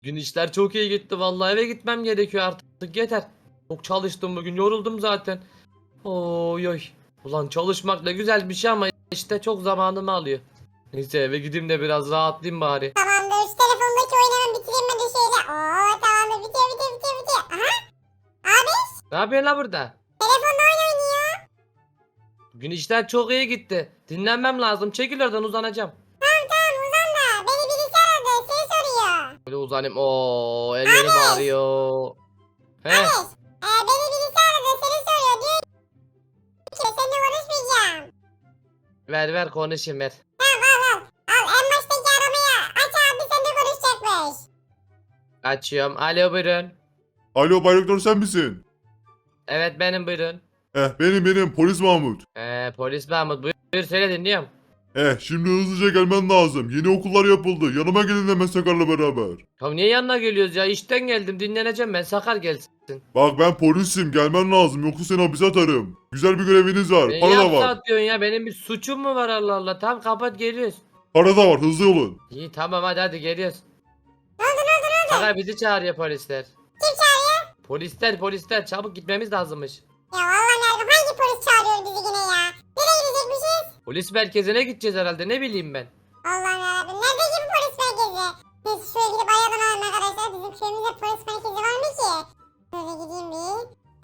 Gün işler çok iyi gitti vallahi, eve gitmem gerekiyor artık, yeter. Çok çalıştım bugün, yoruldum zaten. Oy oy. Ulan çalışmak da güzel bir şey ama işte çok zamanımı alıyor. Neyse eve gideyim de biraz rahatlayayım bari. Tamamdır. Şu telefondaki oyunu hemen bitireyim ben de şöyle. Oo tamamdır. Bitiyor. Aha. Abi Ne yapıyorsun la burada? telefonda oyun oynuyor. Gün işler çok iyi gitti. Dinlenmem lazım. Çekil oradan, uzanacağım. Tamam uzan da. Beni birisi aradı. Seni soruyor. Böyle uzanayım. Oo, ellerim ağrıyor. He. Abi. Beni birisi aradı. Seni soruyor. Diyor ki seninle konuşmayacağım. Ver ver konuşayım, ver. Tamam al. Al en baştaki aramayı aç abi seninle konuşacakmış. Açıyorum. Alo, buyurun. Alo Bay Doktor sen misin? Evet benim, buyurun. Benim polis Mahmut. Polis Mahmut, buyur söyle, dinliyorum. Şimdi hızlıca gelmen lazım. Yeni okullar yapıldı. Yanıma gelin hemen Sakar'la beraber. Ya niye yanına geliyoruz ya? İşten geldim, dinleneceğim ben. Sakar gelsin. Bak ben polisim gelmen lazım yoksa seni hapise atarım. Güzel bir göreviniz var. Ne Para da yapsa var. atıyorsun ya? Benim bir suçum mu var, Allah Allah? Tamam kapat, geliyoruz. Para da var hızlı olun. İyi tamam, hadi geliyoruz. Ne oldu? Sakar bizi çağırıyor polisler. Kim çağırıyor? Polisler çabuk gitmemiz lazımmış. Ya vallahi Merve hangi polis çağırıyor bizi yine ya? Nereye gidecekmişiz? Polis merkezine gideceğiz herhalde, ne bileyim ben. Allah'ım yarabbim. Nerede ki bu polis merkezi? Neyse şuraya gidip arayalım hemen arkadaşlar. Bizim köyümüzde polis merkezi var mı ki? Şöyle gideyim bir.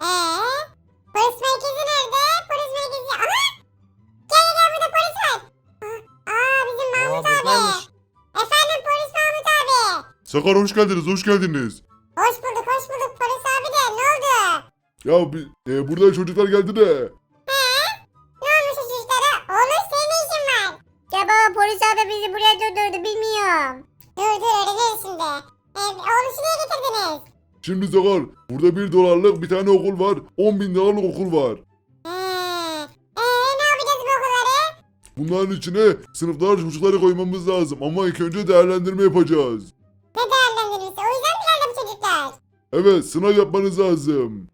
Polis merkezi nerede? Polis merkezi. Aha! Gel burada polis var. Bizim Mahmut abi. Buradaymış. Efendim polis Mahmut abi. Sakar hoş geldiniz. Hoş bulduk polis abi de ne oldu? Burada çocuklar geldi de. Ne olmuş o çocuklara? Oğlum senin ne işin var? Ya baba polis abi bizi buraya durdurdu bilmiyorum. Dur öğreniriz şimdi. Oğluşu niye getirdiniz? Şimdi Sakar burada 1 dolarlık bir tane okul var. 10.000 dolarlık okul var. Ne yapacağız bu okulları? Bunların içine sınıflar çocukları koymamız lazım ama ilk önce değerlendirme yapacağız. Ne değerlendirmesi? O yüzden mi geldi bu çocuklar? Evet sınav yapmanız lazım.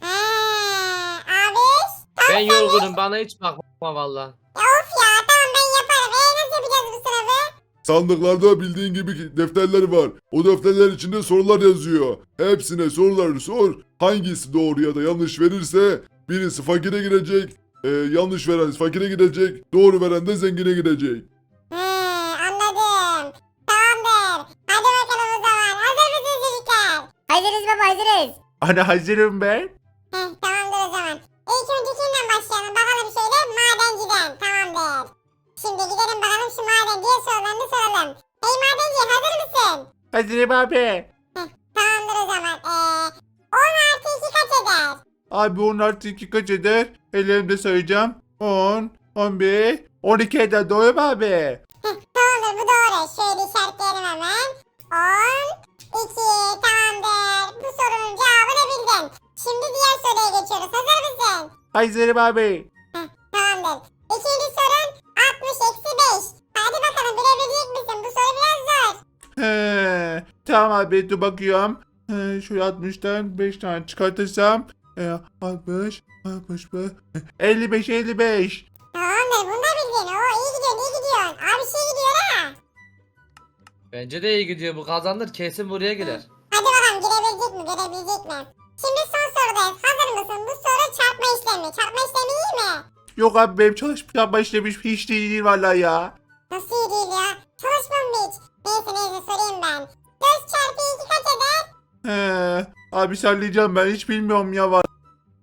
Abi. Ben yorgunum, bana hiç bakma valla. Ya of ya tamam ben yaparım. Nasıl yapacağız bu sınavı? Sandıklarda bildiğin gibi defterler var. O defterler içinde sorular yazıyor. Hepsine soruları sor. Hangisi doğru ya da yanlış verirse birisi fakire girecek. Yanlış veren fakire gidecek. Doğru veren de zengine gidecek. Anladım. Tamamdır. Hadi bakalım o zaman. Hazır mısınız çocuklar? Hazırız baba hazırız. Ana hazırım ben. Tamamdır o zaman. İlk önce kimden başlayalım? Bakalım şöyle madenciden. Tamamdır. Şimdi gidelim bakalım şu madenciye sorularını soralım. Hey madenci hazır mısın? Hazırım abi. Tamamdır o zaman. 10 artı 2 kaç eder? Abi 10 artı 2 kaç eder? Ellerimde sayacağım. 10, 11, 12 eder doğru mu abi? Tamamdır bu doğru. Şöyle işaretleyelim hemen. 10, 2 tamamdır. Bu sorunun cevabını bildin. Şimdi diğer soruya geçiyoruz. Hazır mısın? Hazırım abi. Tamamdır. İkinci sorun 60 eksi 5. Hadi bakalım bilebilecek misin? Bu soru biraz zor. Tamam abi dur bakıyorum. Şöyle 60'tan 5 tane çıkartırsam 60, 65, 55, 55. Tamamdır bunu da bildin. İyi gidiyorsun. Abi şey gidiyor ha. Bence de iyi gidiyor, bu kazanır kesin buraya girer. Hadi bakalım girebilecek mi? Şimdi son sorudayız. Hazır mısın? Bu soru çarpma işlemi. Çarpma işlemi iyi mi? Yok abi benim çalışma işlemiş hiç değil vallahi ya. Nasıl iyi değil ya? Çalışmam mı hiç? Neyse sorayım ben. 4 çarpı 2 kaç eder? Abi sallayacağım ben hiç bilmiyorum ya var.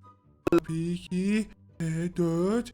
2, 4,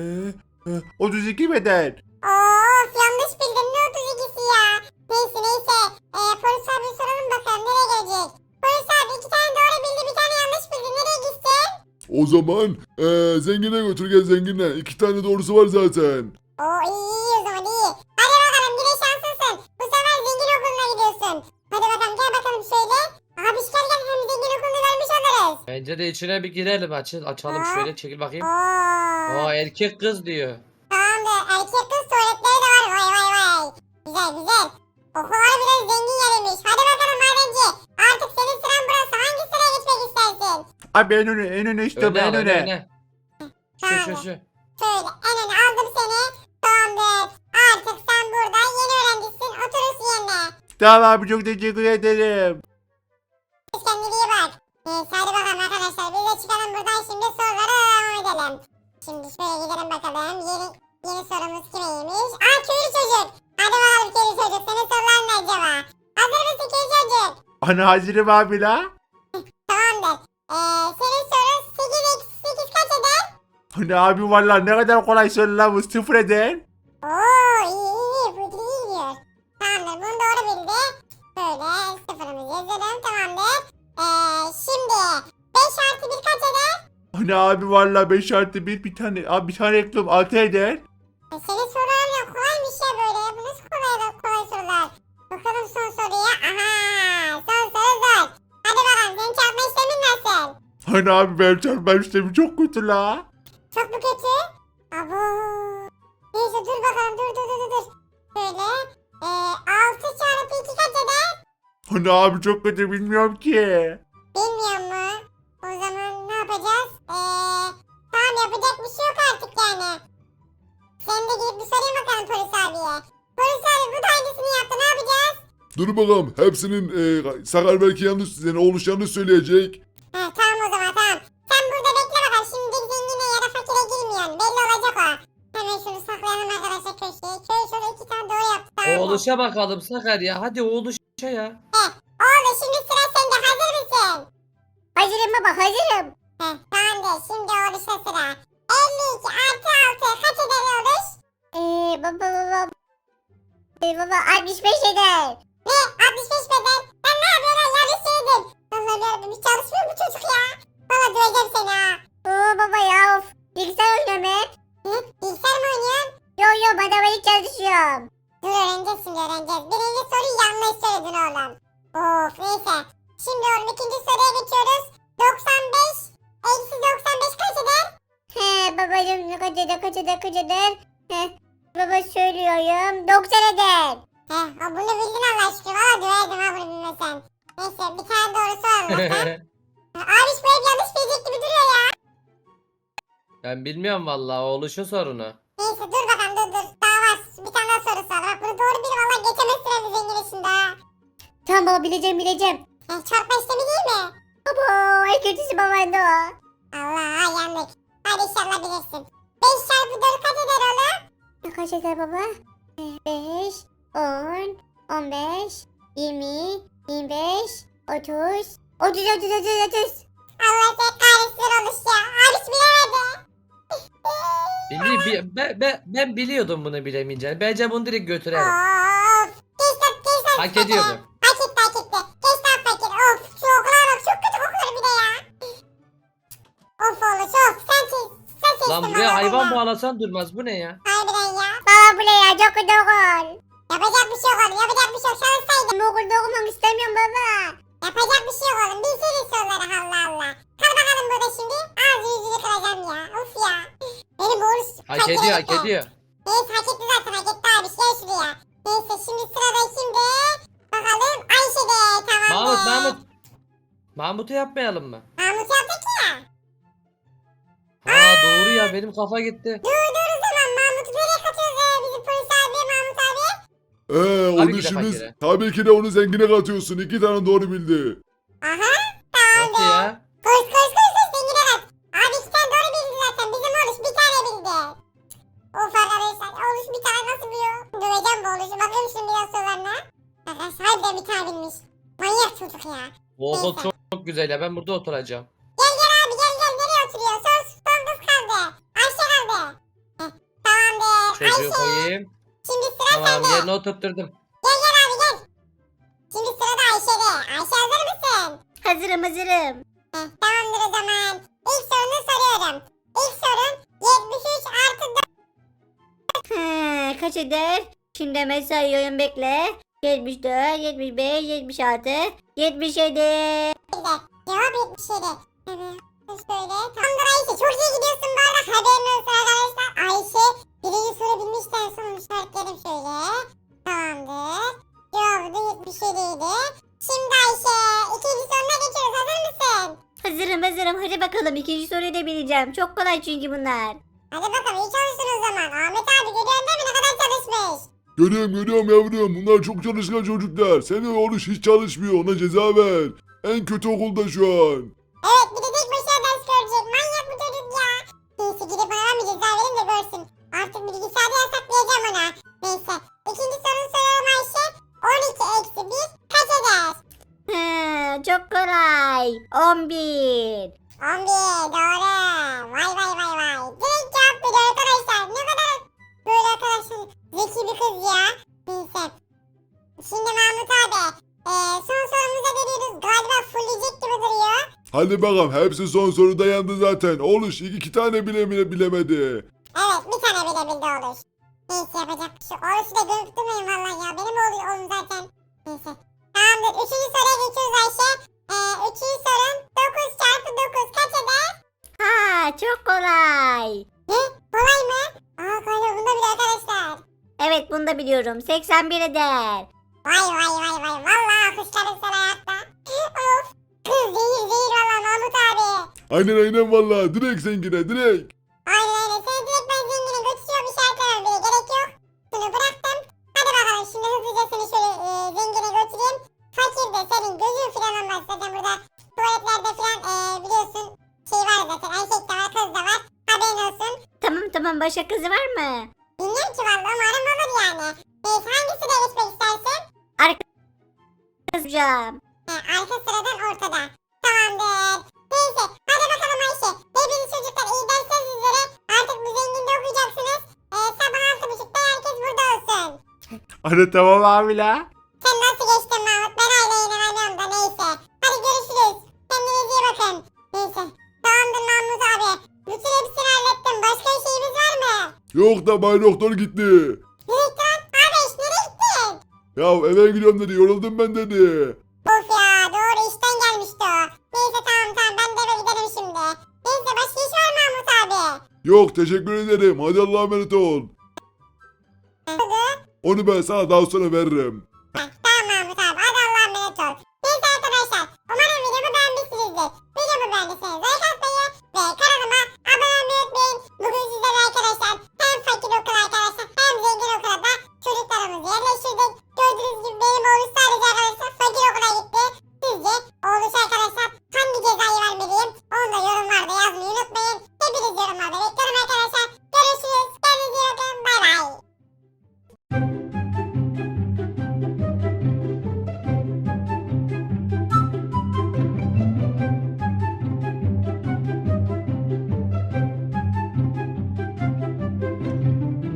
32 beden. Of yanlış bildin. Ne 32'si ya? Neyse. Polis abi soralım bakalım nereye gelecek? Polis abi 2 tane doğru bildi bir tane yanlış bildi. Nereye gitsin? O zaman zengine götür gel zengine. 2 tane doğrusu var zaten. İyi o zaman iyi. Hadi bakalım yine şanslısın. Bu sefer zengin okuluna gidiyorsun. Hadi bakalım gel bakalım şöyle. Abi gel hem zengin okulunu vermiş oluruz. Bence de içine bir girelim, açalım Aa. şöyle, çekil bakayım. Oo. Erkek kız diyor. Tamamdır. Erkek kız tuvaletleri de var. Vay. Güzel. Okullar biraz zengin yeriymiş. Hadi bakalım madenci. Artık senin sıran burası. Hangi sıraya geçmek istersin? Abi en öne işte Öne al, en öne. öne. Şu. Şöyle en öne aldım seni. Tamamdır. Artık sen burada yeni öğrencisin. Oturursun yerine. Tamam abi çok teşekkür ederim. Kendine iyi bak. Neyse hadi bakalım arkadaşlar. Biz de çıkalım buradan şimdi sorulara devam edelim. Şimdi şöyle gidelim bakalım. Yeni sorumuz kimeymiş? Aa köylü çocuk. Hadi bakalım köylü çocuk. Senin soruların ne acaba? Hazır mısın köylü çocuk? Ana hazırım abi la. Tamamdır. Senin sorun 8 eksi 8 kaç eder? Ana abi valla ne kadar kolay soru la bu, sıfır eder. Oo iyi. Bu iyi gidiyor. Tamamdır. Bunu doğru bildi. Böyle sıfırımızı yazalım. Tamamdır. Şimdi 5 artı 1 kaç eder? Ana abi valla 5 artı 1 bir tane abi bir tane eklem 6 eder. Senin soruların kolaymış ya böyle. Bu nasıl kolay sorular? Bakalım son soruya. Aha son soru zor. Hadi bakalım senin çarpma işlemin nasıl? Ana abi benim çarpma işlemi çok kötü la. Çok mu kötü? Abo. Neyse dur bakalım dur. Böyle 6 çarpı 2 kaç eder? Ana abi çok kötü bilmiyorum ki. Bilmiyor mu? O zaman ne yapacağız? Tamam yapacak bir şey yok artık yani. Sen de gidip bir sorayım bakalım polis abiye. Polis abi bu da hangisini yaptı ne yapacağız? Dur bakalım. Hepsinin Sakar belki yanlış, yani oğluş yanlış söyleyecek. Tamam o zaman tamam. Sen burada bekle bakalım. Şimdi zengine ya da fakire girmiyorsun. Belli olacak o. Hemen şunu saklayalım arkadaşlar köşeye. Köy şöyle 2 tane doğru yaptı. Tamam mı? Oğluşa bakalım Sakar ya. Hadi oğluşa ya. Oğlum şimdi sıra sende. Hazır mısın? Hazırım baba hazırım. Tamamdır. Şimdi oğluşa sıra. 52 artı 6 kaç eder oğluş? Baba. Baba 65 eder. Ne? 65 beden. Ben ne yapıyorum? Yanlış söyledim. Vallahi yarabbim hiç çalışmıyor bu çocuk ya. Valla döveceğim seni ha. Oo baba ya of. Bilgisayar oynuyorum hep. Bilgisayar mı oynuyorsun? Yo matematik çalışıyorum. Dur öğreneceğiz şimdi öğreneceğiz. Birinci soruyu yanlış söyledin oğlum. Of neyse. Şimdi oğlum ikinci soruya geçiyoruz. 95 eksi 95 kaç eder? He babacım kaç eder. He baba söylüyorum 90 eder. Bunu bildin Allah aşkına. Valla döverdim ha bunu bilmesen. Neyse bir tane doğru soralım bakalım. Abi bu hep yanlış bilecek gibi duruyor ya. Ben bilmiyorum vallahi oğluşun sorunu. Neyse dur bakalım dur. Daha var. Bir tane daha soru sor. Bak bunu doğru bil valla geçemezsin evi zengin işinde ha. Tamam baba bileceğim. Çarpma işlemi değil mi? Baba en kötüsü babaydı o. Allah yandık. Hadi inşallah bilirsin. 5 çarpı 4 kaç eder oğlum? Kaç eder baba? 5, 10, 15, 20, 25, 30. 30. Allah sen kahretsin oluş ya. Abi hiç bilemedi. Ben biliyordum bunu bilemeyeceğini. Bence bunu direkt götürelim. Of. Geç lan. Hak ediyordu. Hak etti. Geç lan fakir. Of şu okula bak çok kötü kokuyor bir de ya. Of oluş of. Sen seçtin Lan bana buraya hayvan bunu. bağlasan durmaz. Bu ne ya? Harbiden ya. Baba bu ne ya çok kötü okul. Yapacak bir şey yok oğlum. Yapacak bir şey yok. Çalışsaydın. Ben bu okulda okumak istemiyorum baba. Yapacak bir şey yok oğlum. Bilseydin soruları Allah Allah. Kal bakalım burada şimdi. Ağzı yüzünü kıracağım ya. Of ya. Benim oğlum Hak ediyor. Neyse hak etti zaten hak etti abi. Gel şuraya. Neyse şimdi sırada kimde? Bakalım Ayşe'de. Tamam. Mahmut'u yapmayalım mı? Mahmut yaptık ya. Aa doğru ya benim kafa gitti. Dur o zaman Mahmut'u nereye katıyoruz bizim polis abi Mahmut abi? Onu ki de şimdi fakire. tabii ki de onu zengine katıyorsun. 2 tane doğru bildi. Aha. Nasıl ya? Koş zengine kat. Abi 2 tane doğru bildi zaten. Bizim oğluş bir tane bildi. Of arkadaşlar oğluş bir tane nasıl biliyor? Döveceğim bu oğluşu. Bakayım şimdi biraz sorularına. Arkadaşlar harbiden bir tane bilmiş. Manyak çocuk ya. Bu okul çok güzel ya ben burada oturacağım. Gel abi gel nereye oturuyor? Son kız kaldı. Ayşe kaldı. Tamamdır. Çocuğu Ayşe. koyayım. Şimdi sıra Tamam sende. yerine oturtturdum. Gel abi gel. Şimdi sırada Ayşe'de. Ayşe hazır mısın? Hazırım. Tamamdır o zaman. İlk sorunu soruyorum. İlk sorun 73 artı 4. Kaç eder? Şimdi hemen sayıyorum bekle. 74, 75, 76, 77. Cevap 77. Evet. Şöyle. Tamamdır Ayşe. Çok iyi gidiyorsun bu arada. Haberin olsun arkadaşlar. Ayşe birinci soru bilmişten sonra işaretledim şöyle. Tamamdır. Cevabı da 77 idi. Şimdi Ayşe ikinci soruna geçiyoruz. Hazır mısın? Hazırım. Hadi bakalım ikinci soruyu da bileceğim. Çok kolay çünkü bunlar. Hadi bakalım iyi çalışsın o zaman. Ahmet abi görüyorsun değil mi ne kadar çalışmış? Görüyorum yavrum. Bunlar çok çalışkan çocuklar. Senin oğlun hiç çalışmıyor. Ona ceza ver. En kötü okulda şu an. Evet bir de tek başına ders görecek. Manyak bu çocuk ya. Neyse gidip ona bir ceza vereyim de görsün. Artık bilgisayarda yasaklayacağım ona. Neyse. İkinci soruyu soruyorum Ayşe. 12 eksi 1 kaç eder? Çok kolay. 11. 11 doğru. Vay. Direkt cevap veriyor arkadaşlar. Ne kadar böyle arkadaşlar zeki bir kız ya. Neyse. Şimdi Mahmut abi. Son sorumuza geliyoruz. Galiba fullleyecek gibi duruyor. Hadi bakalım. Hepsi son soruda yandı zaten. Oluş iki tane bile bilemedi. Evet bir tane bile bildi olur. Neyse yapacak bir şey. Orası da görüp durmayın vallahi ya. Benim oğlum zaten. Neyse. Tamamdır. Üçüncü soruya geçiyoruz Ayşe. Üçüncü sorun 9 çarpı 9 kaç eder? Ha, çok kolay. Ne? Kolay mı? Kolay bunda bile arkadaşlar. Evet, bunu da biliyorum. 81 eder. Vay. Vallahi alkışlarım sana hayatta. Of. Kız zehir valla Mahmut abi. Aynen vallahi. Direkt zengine direkt. Aynen. Seni direkt ben zengine götürüyorum işaretlemem bile gerek yok. Şunu bıraktım. Hadi bakalım şimdi hızlıca seni şöyle zengine götüreyim. Fakir de senin gözün falan olmaz zaten burada tuvaletlerde falan biliyorsun şey var zaten erkek de var kız da var haberin olsun. Tamam, başka kızı var mı? Bilmiyorum ki valla umarım olur yani. Neyse hangisine geçmek istersin? Kızcağım. Arka sıradan ortada. Tamamdır. Neyse hadi bakalım Ayşe. Hepiniz çocuklar iyi dersler sizlere. Artık bu zenginde okuyacaksınız. Sabah 6.30'da herkes burada olsun. Ana tamam abi la. Sen nasıl geçtin Mahmut? Ben hala inanamıyorum da neyse. Hadi görüşürüz. Kendinize iyi bakın. Neyse. Tamamdır Mahmut abi. Bütün hepsini hallettim. Başka bir şeyimiz var mı? Yok da Bay Doktor gitti. Nereye gittin? Abi nereye gittin? Ya eve gidiyorum dedi. Yoruldum ben dedi. Of ya doğru işten gelmişti o. Neyse tamam ben de eve giderim şimdi. Neyse başka iş var mı Mahmut abi? Yok teşekkür ederim. Hadi Allah'a emanet ol. Hadi. Onu ben sana daha sonra veririm. Tamam Mahmut abi. Hadi Allah'a emanet ol. Neyse arkadaşlar. Umarım videomu beğenmişsinizdir. Videomu beğendiyseniz like atmayı ve kanalıma abone olmayı unutmayın. Bugün sizlerle arkadaşlar hem fakir okul arkadaşlar hem zengin okula da çocuklarımızı yerleştirdik. Gördüğünüz